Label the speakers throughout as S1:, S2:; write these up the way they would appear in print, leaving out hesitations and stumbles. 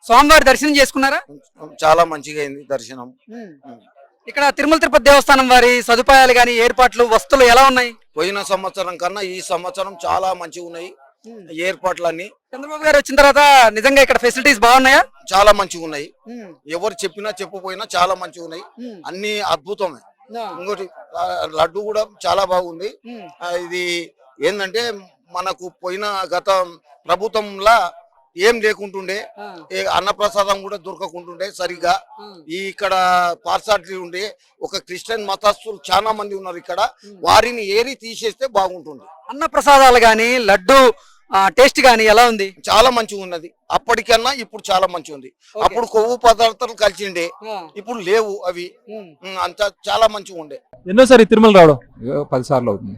S1: స్వామివారి దర్శనం చేసుకున్నారా?
S2: చాలా మంచిగా అయింది దర్శనం.
S1: ఇక్కడ తిరుమల తిరుపతి దేవస్థానం వారి సదుపాయాలు గాని, ఏర్పాట్లు, వస్తువులు ఎలా ఉన్నాయి?
S2: పోయిన సంవత్సరం కన్నా ఈ సంవత్సరం చాలా మంచిగా ఉన్నాయి ఏర్పాట్లన్నీ.
S1: చంద్రబాబు గారు వచ్చిన తర్వాత నిజంగా ఇక్కడ ఫెసిలిటీస్ బాగున్నాయా?
S2: చాలా మంచిగా ఉన్నాయి. ఎవరు చెప్పినా చెప్పపోయినా చాలా మంచిగా ఉన్నాయి. అన్ని అద్భుతమే. ఇంకోటి లడ్డు కూడా చాలా బాగుంది. ఇది ఏంటంటే మనకు పోయిన గత ప్రభుత్వంలా ఏం లేకుంటుండే, అన్నప్రసాదం కూడా దొరకకుంటుండే సరిగ్గా. ఇక్కడ పార్సాలిటీ ఉండే ఒక క్రిస్టియన్ మతస్థులు చాలా మంది ఉన్నారు ఇక్కడ, వారిని ఏరి తీసేస్తే బాగుంటుంది.
S1: అన్న ప్రసాదాలు గాని, లడ్డు టేస్ట్ గాని ఎలా ఉంది?
S2: చాలా మంచిగా ఉన్నది. అప్పటికన్నా ఇప్పుడు చాలా మంచిగా ఉంది. అప్పుడు కొవ్వు పదార్థాలు కలిసిండే, ఇప్పుడు లేవు అవి. అంతా చాలా మంచిగా ఉండే.
S3: ఎన్నోసారి తిరుమల రావడం?
S4: 10 సార్లు అవుతుంది.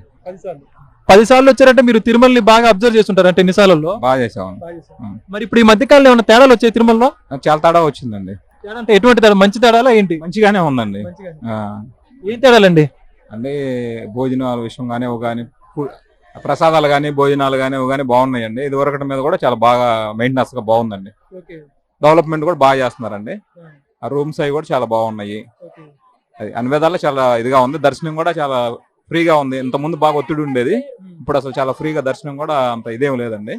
S3: 10 సార్లు వచ్చారంటే మీరు తిరుమలని బాగా అబ్జర్వ్ చేస్తుంటారు అంటే ఎన్ని సార్లు?
S4: బాగా చేసాం.
S3: మరి ఇప్పుడు ఈ మధ్యకాలంలో ఏమైనా తేడాలు వచ్చాయి తిరుమలలో?
S4: చాలా తేడా వచ్చిందండి.
S3: అంటే ఎటువంటి తేడా? మంచి తేడాలా ఏంటి?
S4: మంచిగానే ఉందండి.
S3: ఏం తేడాలండి?
S4: అంటే భోజనాల విషయం కానీ ప్రసాదాలు కానీ భోజనాలు కానీ బాగున్నాయండి. ఇది వరకటి మీద కూడా చాలా బాగా మెయింటెనెన్స్ గా బాగుందండి. డెవలప్మెంట్ కూడా బాగా చేస్తున్నారండి. ఆ రూమ్స్ అవి కూడా చాలా బాగున్నాయి. అది అన్ని విధాలు చాలా ఇదిగా ఉంది. దర్శనం కూడా చాలా ఫ్రీగా ఉంది. ఇంత ముందు బాగా ఒత్తిడి ఉండేది, ఇప్పుడు అసలు చాలా ఫ్రీగా దర్శనం కూడా అంత ఇదేం లేదండి.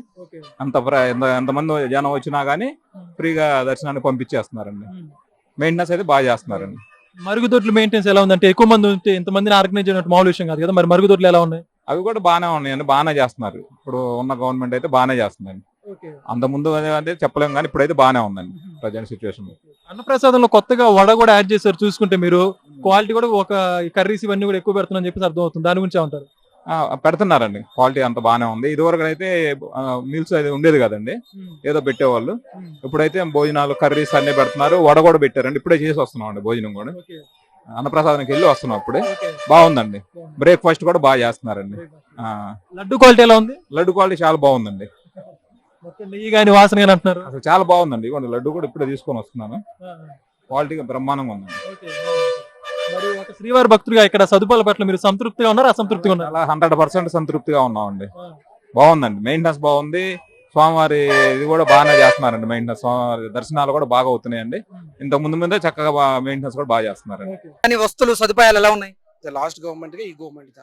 S4: ఎంతమంది జనం వచ్చినా గానీ ఫ్రీగా దర్శనాన్ని పంపించేస్తున్నారండి. మెయింటెనెన్స్ అయితే బాగా చేస్తున్నారండి.
S3: మరుగుదొడ్లు మెయింటెనెన్స్ ఎలా ఉందంటే ఎక్కువ మంది ఉంటే ఇంతమందిని ఆర్గనైజ్ చేయడం మామూలు విషయం కాదు కదా, మరి మరుగుదొడ్లు ఎలా ఉన్నాయి?
S4: అవి కూడా బాగానే ఉన్నాయండి, బాగానే చేస్తున్నారు. ఇప్పుడు ఉన్న గవర్నమెంట్ అయితే బాగానే చేస్తుందండి. అంత ముందు అంటే చెప్పలేము కానీ ఇప్పుడైతే బాగానే ఉందండి ప్రజెంట్ సిచ్యువేషన్.
S3: అన్నప్రసాదంలో కొత్తగా వడ కూడా యాడ్ చేశారు. చూసుకుంటే మీరు క్వాలిటీ కూడా ఒక కర్రీస్ ఇవన్నీ కూడా ఎక్కువ పెడుతున్నారని చెప్పేసి అర్థం అవుతుంది. దాని గురించి ఏమంటారు?
S4: పెడుతున్నారండి, క్వాలిటీ అంత బాగానే ఉంది. ఇదివరకు అయితే మీల్స్ అయితే ఉండేది కదండి, ఏదో పెట్టేవాళ్ళు. ఇప్పుడైతే భోజనాలు కర్రీస్ అన్ని పెడుతున్నారు. వడ కూడా పెట్టారండి, ఇప్పుడే చేసి వస్తున్నాం అండి భోజనం కూడా. అన్నప్రసాదానికి వెళ్ళి వస్తున్నాం అప్పుడే. బాగుందండి. బ్రేక్ఫాస్ట్ కూడా బాగా చేస్తున్నారండి.
S3: లడ్డు క్వాలిటీ ఎలా ఉంది?
S4: లడ్డు క్వాలిటీ చాలా బాగుందండి.
S3: నెయ్యి కానీ వాసన కానీ అంటున్నారు.
S4: అసలు చాలా బాగుందండి. ఇవ్వండి లడ్డు కూడా ఇప్పుడే తీసుకొని వస్తున్నాను. క్వాలిటీగా బ్రహ్మాండంగా ఉందండి.
S3: మరి ఒక శ్రీవారి భక్తుడిగా ఇక్కడ సదుపాయాల పట్ల మీరు సంతృప్తిగా ఉన్నారు, అసంతృప్తిగా ఉన్నారు?
S4: అలా 100% సంతృప్తిగా ఉన్నామండి. బాగుందండి, మెయింటెనెన్స్ బాగుంది. స్వామివారి ఇది కూడా బాగానే చేస్తున్నారండి. మెయింటెనెన్స్ స్వామివారి దర్శనాలు కూడా బాగా అవుతున్నాయండి. ఇంత ముందే చక్కగా మెయింటెనెన్స్ కూడా బాగా చేస్తున్నారండి.
S1: వస్తువులు సదుపాయాలు ఎలా ఉన్నాయి?
S5: లాస్ట్ గవర్నమెంట్ గా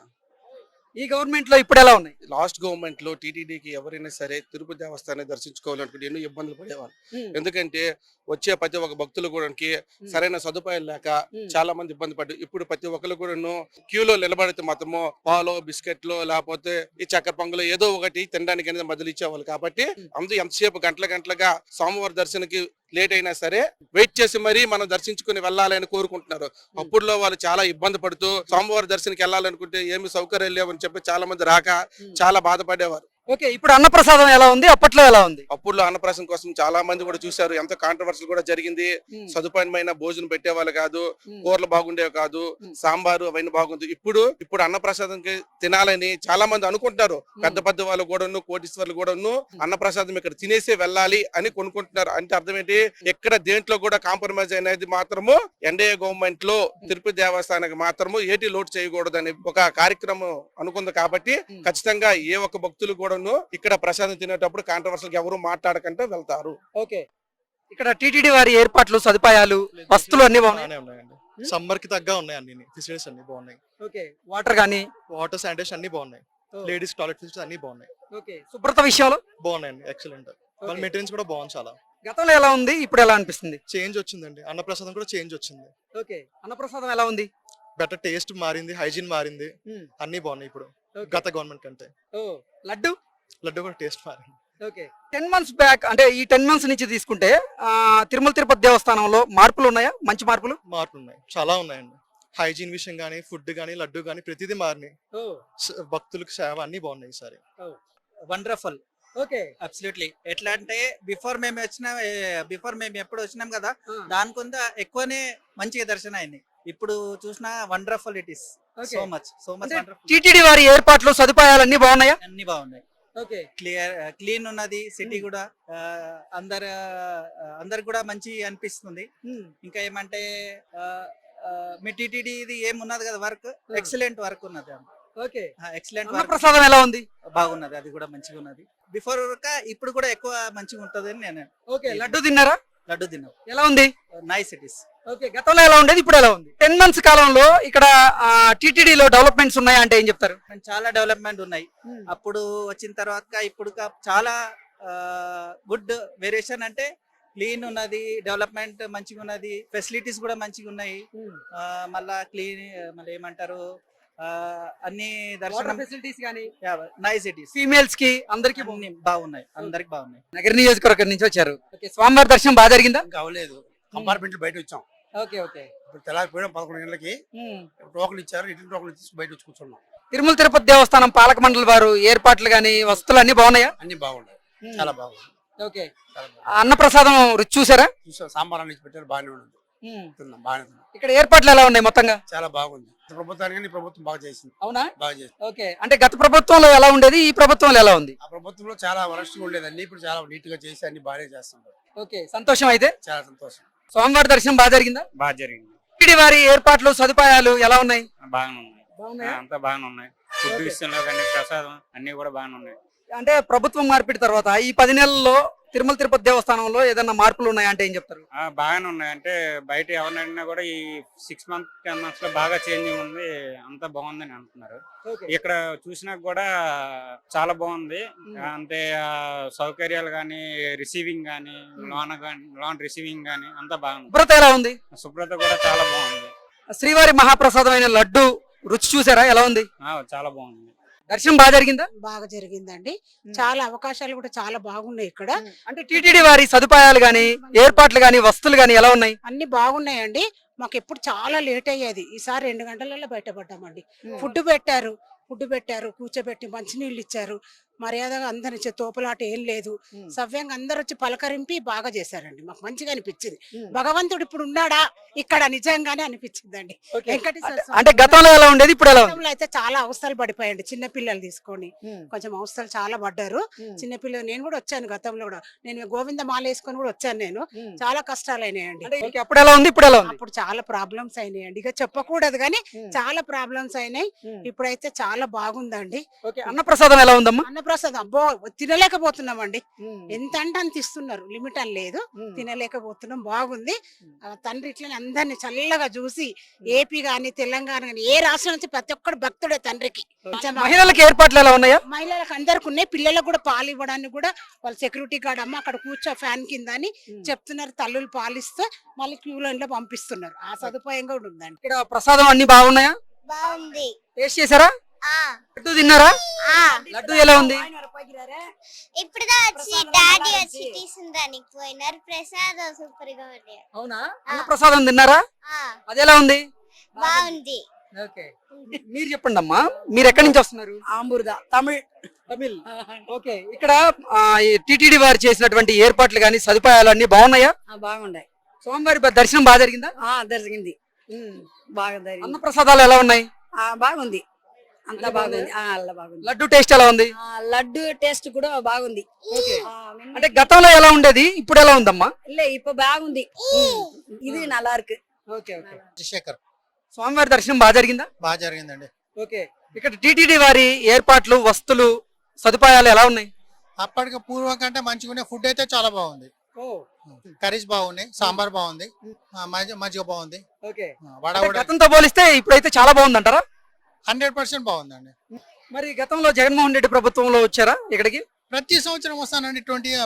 S1: ఈ గవర్నమెంట్ లో ఇప్పుడు ఎలా ఉన్నాయి?
S5: లాస్ట్ గవర్నమెంట్ లో టీటీడీకి ఎవరైనా సరే తిరుపతి దేవస్థానాన్ని దర్శించుకోవాలనుకుంటే ఎన్నో ఇబ్బందులు పడేవాళ్ళు. ఎందుకంటే వచ్చే ప్రతి ఒక్క భక్తులు కూడా సరైన సదుపాయాలు లేక చాలా మంది ఇబ్బంది పడ్డారు. ఇప్పుడు ప్రతి ఒక్కరు కూడా క్యూలో నిలబడితే మాత్రము పాలు బిస్కెట్లు లేకపోతే ఈ చక్కెర పొంగలు ఏదో ఒకటి తినడానికి అనేది మొదలు ఇచ్చేవాళ్ళు. కాబట్టి అందరూ ఎంతసేపు గంటలుగా స్వామివారి దర్శనకి లేట్ అయినా సరే వెయిట్ చేసి మరీ మనం దర్శించుకుని వెళ్ళాలని కోరుకుంటున్నారు. అప్పుడులో వాళ్ళు చాలా ఇబ్బంది పడుతూ స్వామివారి దర్శనకి వెళ్ళాలనుకుంటే ఏమి సౌకర్యాలు లేవని చెప్పి చాలా మంది రాక చాలా బాధపడేవారు.
S1: ఓకే, ఇప్పుడు అన్నప్రసాదం ఎలా ఉంది, అప్పట్లో ఎలా ఉంది?
S5: అప్పుడులో అన్నప్రసాదం కోసం చాలా మంది కూడా చూశారు. ఎంతో కాంట్రవర్సల్ కూడా జరిగింది. సదుపాయమైన భోజనం పెట్టేవాళ్ళు కాదు, కూరలు బాగుండేవి కాదు, సాంబారు అవన్నీ బాగుంది. ఇప్పుడు అన్నప్రసాదంకి తినాలని చాలా మంది అనుకుంటున్నారు. పెద్ద వాళ్ళు కూడాను, కోటీశ్వర్లు కూడాను అన్నప్రసాదం ఇక్కడ తినేసే వెళ్ళాలి అని కొనుక్కుంటున్నారు. అంటే అర్థం ఏంటి, ఎక్కడ దేంట్లో కూడా కాంప్రమైజ్ అనేది మాత్రము ఎన్డీఏ గవర్నమెంట్ లో తిరుపతి దేవస్థానానికి మాత్రము ఏటి లోటు చేయకూడదని ఒక కార్యక్రమం అనుకుంది. కాబట్టి ఖచ్చితంగా ఏ ఒక్క భక్తులు కూడా ఇక్కడ ప్రసాదం తినేటప్పుడు కాంట్రవర్సల్ ఎవరు మాట్లాడకుండా వెళ్తారు.
S1: ఓకే, ఇక్కడ టీటీడీ వారి ఏర్పాట్లు, సదుపాయాలు, వస్తువులు అన్ని బాగున్నాయండి.
S6: సమ్మర్ కి తగ్గ ఉన్నాయి, అన్ని ఫెసిలిటీస్ అన్ని బాగున్నాయి.
S1: ఓకే, వాటర్
S6: శానిటేషన్ అన్ని బాగున్నాయి. లేడీస్ టాయిలెట్ ఫెసిలిటీస్ అన్ని బాగున్నాయి.
S1: ఓకే, శుభ్రత విషయాలు
S6: బాగున్నాయండి, ఎక్సలెంట్. వాళ్ళ మెయింటెనెన్స్ కూడా బాగుంది చాలా.
S1: గతంలో ఎలా ఉంది, ఇప్పుడు ఎలా అనిపిస్తుంది?
S6: చేంజ్ వచ్చిందండి. అన్నప్రసాదం కూడా చేంజ్ వచ్చింది.
S1: ఓకే, అన్నప్రసాదం ఎలా ఉంది?
S6: బెటర్ టేస్ట్ మారింది, హైజీన్ మారింది, అన్ని బాగున్నాయి ఇప్పుడు గత గవర్నమెంట్ కంటే. లడ్డు కూడా టేస్ట్ మారింది.
S1: ఓకే, 10 months బ్యాక్ అంటే ఈ 10 months నుంచి తీసుకుంటే తిరుమల తిరుపతి దేవస్థానంలో మార్పులు ఉన్నాయా? మంచి మార్పులు
S6: ఉన్నాయి, చాలా ఉన్నాయండి. హైజీన్ విషయం గానీ, ఫుడ్ గానీ, లడ్డు గానీ ప్రతిదీ మారినాయి. భక్తులకు సేవ అన్ని బాగున్నాయి ఈసారి.
S7: వండర్ఫుల్. Okay, absolutely. ఎట్లా అంటే బిఫోర్ మేము ఎప్పుడు వచ్చినాం కదా, దానికొంత ఎక్కువనే మంచిగా దర్శనం అయింది. ఇప్పుడు చూసిన wonderful it is. So much
S1: TTD వారి ఏర్పాట్లు, సదుపాయాలు అన్ని బాగున్నాయా?
S7: అన్ని బాగున్నాయి. ఓకే, క్లీన్ ఉన్నది. సిటీ కూడా అందరు కూడా మంచి అనిపిస్తుంది. ఇంకా ఏమంటే మీ టీటీడీ ఇది ఏమున్నది కదా, వర్క్ ఎక్సలెంట్ వర్క్ ఉన్నది. Okay, excellent work.
S1: ప్రసాదం ఎలా ఉంది?
S7: బాగున్నది, అది కూడా మంచిగా ఉన్నది. బిఫోర్ ఇప్పుడు కూడా ఎక్కువ మంచిగా ఉంటది అని నేను.
S1: ఓకే, లడ్డు తిన్నారా?
S7: లడ్డు తిన్నాం.
S1: ఎలా ఉంది?
S7: Nice it is.
S1: ఓకే, గతంలో ఎలా ఉండేది, ఇప్పుడు ఎలా ఉంది? 10 months కాలంలో ఇక్కడ టీటీడీలో డెవలప్మెంట్స్ ఉన్నాయా అంటే ఏం చెప్తారు?
S7: చాలా డెవలప్మెంట్ ఉన్నాయి. అప్పుడు వచ్చిన తర్వాత ఇప్పుడు చాలా గుడ్ వేరియేషన్, అంటే క్లీన్ ఉన్నది, డెవలప్మెంట్ మంచిగా ఉన్నది, ఫెసిలిటీస్ కూడా మంచిగా ఉన్నాయి. మళ్ళా క్లీన్ మళ్ళీ ఏమంటారు అన్ని దర్శనం
S1: ఫెసిలిటీస్ కానీ
S7: నైస్ ఇట్ ఇస్.
S1: ఫీమేల్స్ కి అందరికి
S7: బాగున్నాయి, అందరికి బాగున్నాయి.
S1: నగర నియోజకవర్గం నుంచి వచ్చారు. ఓకే, స్వామివారి దర్శనం బాగా జరిగిందా?
S8: ఇంకా అవ్వలేదు, కంపార్ట్మెంట్ బయట వచ్చాం.
S1: Okay okay.
S8: ఇప్పుడు తెల్లారిపోయినా 11 గంటలకి టోకన్ ఇచ్చారు, రిటర్న్ టోకన్ ఇచ్చి బయట వచ్చి కూర్చున్నాం.
S1: తిరుమల తిరుపతి దేవస్థానం పాలక మండలి వారు ఏర్పాట్లు గాని వస్తువులు అన్ని బాగున్నాయా?
S8: అన్ని బాగున్నాయి, చాలా బాగుంది.
S1: ఓకే, అన్నప్రసాదం రుచి చూసారా?
S8: చూసాం, సాంబార్ అన్ని పెట్టారు, బాగానే ఉంది, తిన్నాం, బాగానే తిన్నాం.
S1: ఇక్కడ ఏర్పాట్లు ఎలా ఉన్నాయి మొత్తంగా?
S8: చాలా బాగుంది. ప్రభుత్వానికి ఈ ప్రభుత్వం బాగా చేసింది.
S1: అవునా?
S8: బాగా చేసింది.
S1: ఓకే, అంటే గత ప్రభుత్వంలో ఎలా ఉండేది, ఈ ప్రభుత్వంలో ఎలా ఉంది?
S8: ఆ ప్రభుత్వంలో చాలా వరస్ట్గా ఉండేది, అన్ని ఇప్పుడు చాలా నీట్ గా చేసి అన్ని బాగానే చేస్తున్నారు.
S1: ఓకే, సంతోషం. అయితే
S8: చాలా సంతోషం.
S1: స్వామివారి దర్శనం బాగా జరిగిందా?
S9: బాగా జరిగింది.
S1: టీటీడీ వారి ఏర్పాట్లు సదుపాయాలు ఎలా ఉన్నాయి?
S9: బాగానే ఉన్నాయి, అంతా బాగానే ఉన్నాయి. ఫుడ్ విషయంలో కానీ ప్రసాదం అన్ని కూడా బాగానే ఉన్నాయి.
S1: అంటే ప్రభుత్వం మార్పిడి తర్వాత ఈ 10 నెలల్లో తిరుమల తిరుపతి దేవస్థానంలో ఏదైనా మార్పులు ఉన్నాయా అంటే ఏం చెప్తారు?
S9: బాగానే ఉన్నాయి, అంటే బయట ఎవరిని అడిగినా కూడా ఈ 6 months 10 months లో బాగా చేంజింగ్ ఉంది, అంతా బాగుందని అంటున్నారు. ఇక్కడ చూసినా కూడా చాలా బాగుంది, అంటే సౌకర్యాలు కానీ, రిసీవింగ్ కానీ, లోన్ రిసీవింగ్ కానీ అంతా బాగుంది.
S1: శుభ్రత ఎలా ఉంది?
S9: శుభ్రత కూడా చాలా బాగుంది.
S1: శ్రీవారి మహాప్రసాదమైన లడ్డు రుచి చూసారా, ఎలా ఉంది?
S9: చాలా బాగుంది.
S1: దర్శనం బాగా జరిగిందా?
S10: బాగా జరిగిందండి. చాలా అవకాశాలు కూడా చాలా బాగున్నాయి ఇక్కడ.
S1: అంటే టీటీడీ వారి సదుపాయాలు గాని, ఏర్పాట్లు గాని, వస్తువులు గాని ఎలా ఉన్నాయి?
S10: అన్ని బాగున్నాయండి. మాకు ఎప్పుడు చాలా లేట్ అయ్యేది, ఈసారి 2 గంటలలో బయటపడ్డామండి. ఫుడ్ పెట్టారు, కూర్చోబెట్టి మంచినీళ్ళు ఇచ్చారు, మర్యాదగా అందరి తోపులాట ఏం లేదు, సవ్యంగా అందరు వచ్చి పలకరింపి బాగా చేశారండి. మాకు మంచిగా అనిపించింది. భగవంతుడు ఇప్పుడు ఉన్నాడా ఇక్కడ నిజంగానే అనిపించిందండి. వెంకటేశ్వర
S1: అంటే గతంలో ఎలా ఉండేది, ఇప్పుడు ఎలా ఉంది?
S10: గతంలో అయితే చాలా అవస్థలు పడిపోయండి, చిన్న పిల్లలు తీసుకొని కొంచెం అవస్థలు చాలా పడ్డారు. చిన్నపిల్లలు నేను కూడా వచ్చాను, గతంలో కూడా నేను గోవింద మాల వేసుకొని కూడా వచ్చాను. నేను చాలా కష్టాలు అయినాయండి.
S1: అప్పుడు ఎలా ఉంది, ఇప్పుడు ఎలా ఉంది?
S10: అప్పుడు చాలా ప్రాబ్లమ్స్ అయినాయండి, ఇక చెప్పకూడదు కానీ చాలా ప్రాబ్లమ్స్ అయినాయి. ఇప్పుడైతే చాలా బాగుందండి.
S1: అన్నప్రసాదం ఎలా ఉందమ్మా?
S10: అన్నప్రసాదం అబ్బో తినలేకపోతున్నామండి. ఎంత అంటే అంత ఇస్తున్నారు, లిమిట్ అని లేదు, తినలేకపోతున్నాం. బాగుంది. తండ్రి ఇట్లా అందరిని చల్లగా చూసి ఏపీ గాని తెలంగాణ గాని ఏ రాష్ట్రం నుంచి ప్రతి ఒక్కడు భక్తుడే తండ్రికి.
S1: మహిళలకు ఏర్పాట్లు ఎలా ఉన్నాయా?
S10: మహిళలకు అందరికి ఉన్నాయి, పిల్లలకు కూడా పాలు ఇవ్వడానికి కూడా వాళ్ళు సెక్యూరిటీ గార్డ్ అమ్మ అక్కడ కూర్చో ఫ్యాన్ కింద అని చెప్తున్నారు. తల్లులు పాలిస్తే మళ్ళీ క్యూ లైన్ లో పంపిస్తున్నారు. ఆ సదుపాయం కూడా ఉందండి.
S1: ఇక్కడ ప్రసాదం అన్ని బాగున్నాయా?
S11: బాగుంది.
S1: టేస్ట్ చేశారా? లడ్డు తిన్నారా? లడ్డు ఎలా ఉంది?
S11: ఇప్పుడు వచ్చి డాడీ వచ్చి తీసుకురానికి పోయినారు, ప్రసాదం సూపర్ గా ఉంది.
S1: అవునా? అన్నప్రసాదం తిన్నారా? అది ఎలా ఉంది?
S11: బాగుంది.
S1: ఓకే, మీరు చెప్పండి అమ్మా, మీరు ఎక్కడి నుంచి వస్తున్నారు?
S10: ఆంబుర్దా
S1: తమిళ్. ఓకే, ఇక్కడ టిటిడి వారు చేసినటువంటి ఏర్పాట్లు గాని, సదుపాయాలు అన్ని బాగున్నాయా?
S10: బాగున్నాయి.
S1: స్వామివారి దర్శనం బాగా జరిగిందా?
S10: జరిగింది, బాగా జరిగింది.
S1: అన్నప్రసాదాలు ఎలా ఉన్నాయి?
S10: బాగుంది, అంతా బాగుంది.
S1: లడ్డు టేస్ట్ ఎలా ఉంది?
S10: లడ్డు టేస్ట్ కూడా బాగుంది.
S1: అంటే గతంలో ఎలా ఉండేది, ఇప్పుడు ఎలా ఉందమ్మా?
S10: ఇప్పుడు బాగుంది, ఇది నల్లా ఇருக்கு.
S1: Okay okay.
S8: శేఖర్.
S1: స్వామివారి దర్శనం బాగా జరిగిందా?
S8: బాగా జరిగిందండి.
S1: ఓకే, ఇక్కడ టిటిడి వారి ఏర్పాట్లు, వస్తువులు, సదుపాయాలు ఎలా ఉన్నాయి?
S8: అప్పటికి పూర్వం కంటే మంచిగా ఫుడ్ అయితే చాలా బాగుంది. కర్రీస్ బాగున్నాయి, సాంబార్ బాగుంది, మజ్జిగ బాగుంది.
S1: ఓకే,
S8: వడ కూడా
S1: గతంతో పోలిస్తే ఇప్పుడైతే చాలా బాగుంది అంటారా?
S8: 100% బాగుందండి.
S1: మరి గతంలో జగన్మోహన్ రెడ్డి ప్రభుత్వంలో వచ్చారా ఇక్కడికి?
S8: ప్రతి సంవత్సరం వస్తానండి,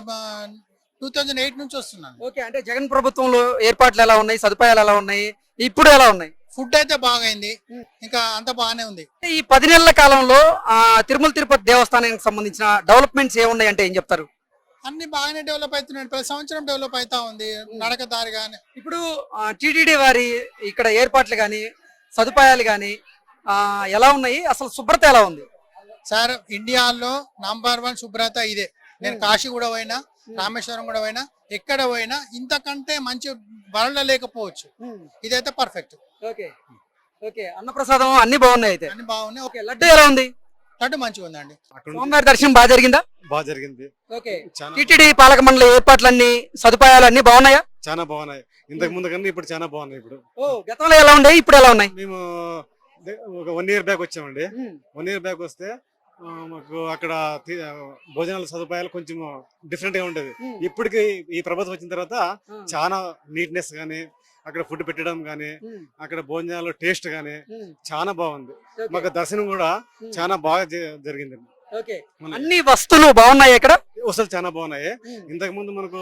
S8: 2008 నుంచి వస్తున్నాను.
S1: ఓకే, అంటే జగన్ ప్రభుత్వంలో ఏర్పాట్లు ఎలా ఉన్నాయి, సదుపాయాలు ఎలా ఉన్నాయి, ఇప్పుడు ఎలా ఉన్నాయి?
S8: ఫుడ్ అయితే బాగైంది, ఇంకా అంత బాగానే ఉంది.
S1: ఈ 10 నెలల కాలంలో తిరుమల తిరుపతి దేవస్థానానికి సంబంధించిన డెవలప్మెంట్స్ ఏమున్నాయి అంటే ఏం చెప్తారు?
S8: అన్ని బాగానే డెవలప్ అవుతున్నాయి, ప్రతి సంవత్సరం డెవలప్ అవుతా ఉంది. నడక దారి గాని
S1: ఇప్పుడు టిటిడి వారి ఇక్కడ ఏర్పాట్లు గాని, సదుపాయాలు గాని ఎలా ఉన్నాయి, అసలు శుభ్రత ఎలా ఉంది?
S8: సార్, ఇండియాలో నంబర్ 1 శుభ్రత ఇదే. నేను కాశీ కూడా పోయినా, రామేశ్వరం కూడా పోయినా, ఎక్కడ పోయినా ఇంతకంటే మంచి వరల్డ్ లేకపోవచ్చు. ఇదైతే పర్ఫెక్ట్.
S1: ఓకే ఓకే, అన్నప్రసాదం అన్ని బాగున్నాయి, అయితే
S8: అన్ని బాగున్నాయి.
S1: ఓకే, లడ్డు ఎలా ఉంది?
S8: లడ్డు మంచిగా ఉందండి.
S1: స్వామివారి దర్శనం బాగా జరిగిందా?
S6: బాగా జరిగింది.
S1: ఓకే, టిటిడి పాలక మండలి ఏర్పాట్లన్నీ, సదుపాయాలు అన్ని బాగున్నాయా?
S6: చాలా బాగున్నాయి, ఇంతకు ముందు కన్నా ఇప్పుడు చాలా బాగున్నాయి. ఇప్పుడు
S1: గతంలో ఎలా ఉన్నాయి, ఇప్పుడు ఎలా ఉన్నాయి?
S6: మేము ఒక 1 year బ్యాక్ వచ్చామండి. 1 year బ్యాక్ వస్తే
S12: మాకు అక్కడ భోజనాల సదుపాయాలు కొంచెం డిఫరెంట్ గా ఉంటది. ఇప్పటికి ఈ ప్రభుత్వం వచ్చిన తర్వాత చాలా నీట్నెస్ గానీ, అక్కడ ఫుడ్ పెట్టడం గానీ, అక్కడ భోజనాలు టేస్ట్ గానీ చాలా బాగుంది. మాకు దర్శనం కూడా చాలా బాగా జరిగింది.
S1: అన్ని వస్తువులు బాగున్నాయి ఇక్కడ,
S12: వసతులు చాలా బాగున్నాయి. ఇంతకు ముందు మనకు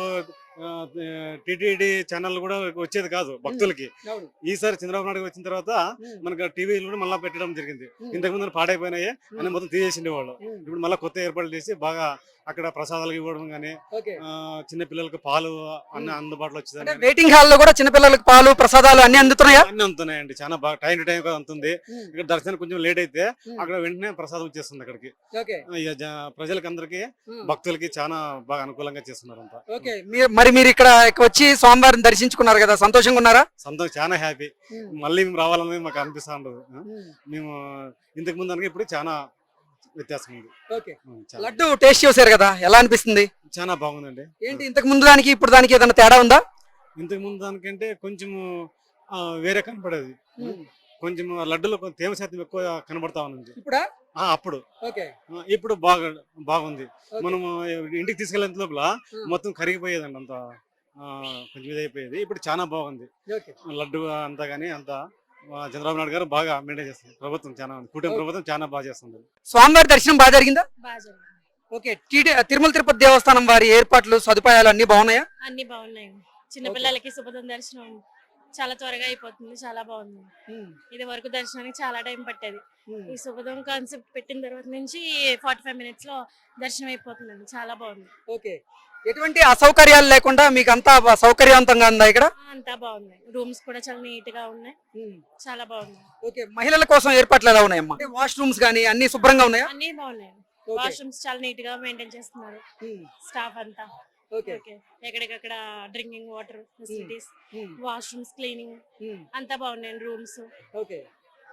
S12: టిటిడి ఛానల్ కూడా వచ్చేది కాదు భక్తులకి. ఈసారి చంద్రబాబు నాయుడు వచ్చిన తర్వాత మనకు టీవీలు కూడా మళ్ళీ పెట్టడం జరిగింది. ఇంతకు ముందు పాడైపోయినాయి అని మొత్తం తీసేసిండే వాళ్ళు. ఇప్పుడు మళ్ళీ కొత్త ఏర్పాట్లు చేసి బాగా అక్కడ ప్రసాదాలు ఇవ్వడం గానీ, చిన్న పిల్లలకు పాలు అన్ని అందుబాటులో వచ్చేది.
S1: వెయిటింగ్ హాల్ లో కూడా చిన్నపిల్లలకు పాలు ప్రసాదాలు అన్ని అందుతున్నాయా?
S12: అన్ని అందుతున్నాయండి, చాలా బాగా టైం టు టైం అందుతుంది. ఇక్కడ దర్శనం కొంచెం లేట్ అయితే అక్కడ వెంటనే ప్రసాదం వచ్చేస్తుంది అక్కడికి. ప్రజలకి అందరికి భక్తులకి చాలా బాగా అనుకూలంగా చేస్తున్నారు అంతా.
S1: మరి మీరు ఇక్కడ వచ్చి స్వామివారిని దర్శించుకున్నారు కదా, సంతోషంగా ఉన్నారా?
S12: సంతోషం, చాలా హ్యాపీ. మళ్ళీ మేము రావాలనేది మాకు అనిపిస్తా ఉండదు. మేము ఇంతకు ముందు అనగా ఇప్పుడు చాలా వ్యత్యాసం ఉంది.
S1: లడ్డు టేస్ట్ చేశారు కదా, ఎలా అనిపిస్తుంది?
S12: చాలా బాగుందండి.
S1: ఏంటి ఇంతకు ముందు దానికి ఇప్పుడు దానికి ఏదైనా తేడా ఉందా?
S12: ఇంతకు ముందు దానికంటే కొంచెం వేరే కనపడేది. కొంచెం లడ్డులో కొంచెం తేమ శాతం ఎక్కువ కనబడతా ఉంది అప్పుడు. ఇప్పుడు బాగుంది. మనం ఇంటికి తీసుకెళ్ళేంత లోపల మొత్తం కరిగిపోయేదండి, అంత కొంచెం ఇదైపోయేది. ఇప్పుడు చాలా బాగుంది లడ్డు అంతా గానీ. అంతా చంద్రబాబు నాయుడు గారు బాగా మెయింటైన్ చేస్తుంది. ప్రభుత్వం చాలా కూటమి ప్రభుత్వం చాలా బాగా చేస్తుంది.
S1: స్వామివారి దర్శనం బాగా జరిగిందా? ఓకే. తిరుమల తిరుపతి దేవస్థానం వారి ఏర్పాట్లు సదుపాయాలు అన్ని బాగున్నాయా?
S13: అన్ని బాగున్నాయి. చిన్నపిల్లలకి శుభదం దర్శనం చాలా త్వరగా అయిపోతుంది, చాలా బాగుంది. ఇది వరకు దర్శనానికి చాలా టైం పట్టేది. ఈ శుభదం కాన్సెప్ట్ పెట్టిన తర్వాత నుంచి 45 minutes లో దర్శనం అయిపోతుందండి, చాలా బాగుంది.
S1: ఓకే. ఎటువంటి అసౌకర్యాలు లేకుండా మీకు అంతా సౌకర్యవంతంగా ఉందా ఇక్కడ?
S13: అంతా బాగుంది. రూమ్స్ కూడా చాలా నీట్ గా ఉన్నాయి, చాలా బాగుంది.
S1: ఓకే. మహిళల కోసం ఏర్పాట్లు ఎలా ఉన్నాయమ్మా? వాష్రూమ్స్ గానీ అన్ని శుభ్రంగా ఉన్నాయా?
S13: అన్ని బాగున్నాయి. వాష్రూమ్స్ చాలా నీట్ గా మెయింటైన్ చేస్తున్నారు స్టాఫ్ అంతా. ఓకే. ఎక్కడికక్కడ drinking water facilities, washrooms cleaning అంతా బాగున్నాయి. రూమ్స్.
S1: ఓకే.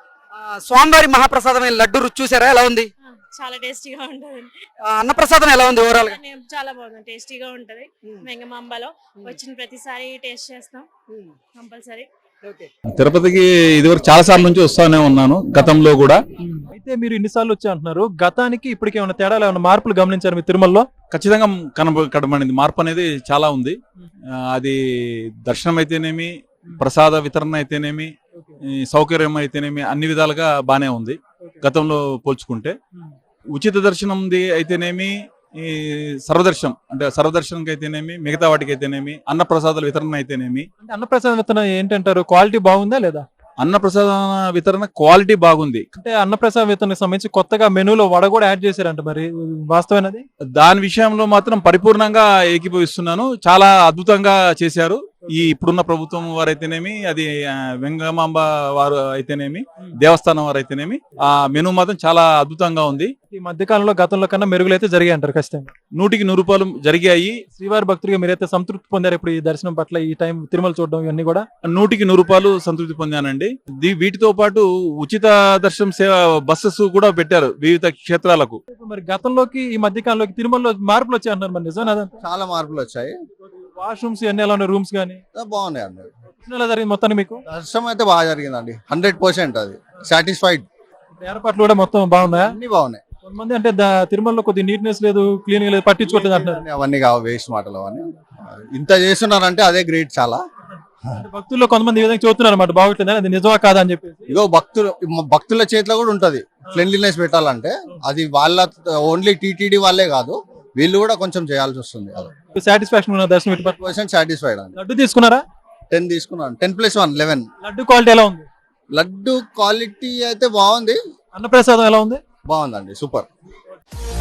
S1: స్వామివారి మహాప్రసాదమైన లడ్డు రుచి చూసారా, ఎలా ఉంది?
S13: చాలా టేస్టీగా ఉంటది.
S1: అన్నప్రసాదం ఎలా ఉంది ఓవరాల్ గా?
S13: చాలా బాగుంది, టేస్టీగా ఉంటది. వెంగమాంబలో వచ్చిన ప్రతిసారి టేస్ట్ చేస్తాం కంపల్సరీ.
S14: తిరుపతికి ఇదివరకు చాలా సార్లు నుంచి వస్తానే ఉన్నాను, గతంలో కూడా.
S3: అయితే మీరు ఇన్నిసార్లు వచ్చి అంటున్నారు, గతానికి ఇప్పటికి ఏమైనా తేడాలు, ఏమైనా మార్పులు గమనించారు మీ తిరుమలలో?
S14: ఖచ్చితంగా కనబడింది మార్పు అనేది చాలా ఉంది. అది దర్శనం అయితేనేమి, ప్రసాద వితరణ అయితేనేమి, సౌకర్యం అయితేనేమి అన్ని విధాలుగా బానే ఉంది గతంలో పోల్చుకుంటే. ఉచిత దర్శనం అయితేనేమి, ఈ సర్వదర్శనం అంటే సర్వదర్శనంకి అయితేనేమి, మిగతా వాటికి అయితేనేమి, అన్నప్రసాదాల వితరణ అయితేనేమి.
S3: అంటే అన్నప్రసాద వితరణ ఏంటంటారు, క్వాలిటీ బాగుందా లేదా?
S14: అన్నప్రసాద వితరణ క్వాలిటీ బాగుంది.
S3: అంటే అన్నప్రసాద వితరణకు సంబంధించి కొత్తగా మెనూలో వడ కూడా యాడ్ చేశారంట, మరి వాస్తవేనది?
S14: దాని విషయంలో మాత్రం పరిపూర్ణంగా ఏకీభవిస్తున్నాను. చాలా అద్భుతంగా చేశారు ఈ ఇప్పుడున్న ప్రభుత్వం వారు అయితేనేమి, అది వెంగమాంబ వారు అయితేనేమి, దేవస్థానం వారు అయితేనేమి. ఆ మెనూ మాత్రం చాలా అద్భుతంగా ఉంది.
S3: ఈ మధ్య కాలంలో గతంలో కన్నా మెరుగులైతే జరిగాయి అంటారు ఖచ్చితంగా?
S14: 100% జరిగాయి.
S3: శ్రీవారి భక్తులుగా మీరైతే సంతృప్తి పొందారు ఇప్పుడు ఈ దర్శనం పట్ల, ఈ టైం తిరుమల చూడడం ఇవన్నీ కూడా?
S14: 100% సంతృప్తి పొందానండి. వీటితో పాటు ఉచిత దర్శనం సేవ బస్సెస్ కూడా పెట్టారు వివిధ క్షేత్రాలకు.
S3: మరి గతంలోకి ఈ మధ్య కాలంలోకి తిరుమలలో మార్పులు వచ్చాయి అంటున్నారు, మరి నిజం?
S15: చాలా మార్పులు వచ్చాయి.
S3: వాష్రూమ్స్ అన్ని ఎలా ఉన్నాయి, రూమ్స్ కానీ
S15: బాగున్నాయి అండి.
S3: ఎలా జరిగింది మొత్తానికి మీకు?
S15: దర్శనం అయితే బాగా జరిగిందండి, 100% అది సాటిస్ఫైడ్.
S3: ఏర్పాట్లు కూడా మొత్తం బాగున్నాయా?
S15: అన్ని బాగున్నాయి.
S3: కొంతమంది అంటే తిరుమలలో కొద్ది నీట్నెస్ లేదు, క్లీనింగ్ లేదు, పట్టించుకోవట్లేదు అంటున్నారు.
S15: అవన్నీ కావు, వేస్ట్ మాటలు అవన్నీ. ఇంత చేస్తున్నారంటే అదే గ్రేట్ చాలా.
S3: భక్తుల్లో కొంతమంది ఈ విధంగా చూస్తున్నారు అన్నమాట, బాగుంటుంది, అది నిజమా కాదా అని చెప్పి.
S15: ఇగో భక్తుల చేతిలో కూడా ఉంటది క్లెన్లీనెస్ పెట్టాలంటే. అది వాళ్ళ ఓన్లీ టీటీడీ వాళ్ళే కాదు, వీళ్ళు కూడా కొంచెం చేయాల్సి వస్తుంది.
S3: సాటిస్ఫాక్షన్ ఉన్న దర్శనం
S15: 100% సాటిస్ఫైడ్ అండి.
S3: లడ్డు తీసుకున్నారా?
S15: 10 తీసుకున్నాను. 10+1 11.
S3: లడ్డు క్వాలిటీ ఎలా ఉంది?
S15: లడ్డు క్వాలిటీ అయితే బాగుంది.
S3: అన్నప్రసాదం ఎలా ఉంది?
S15: బాగుందండి, సూపర్.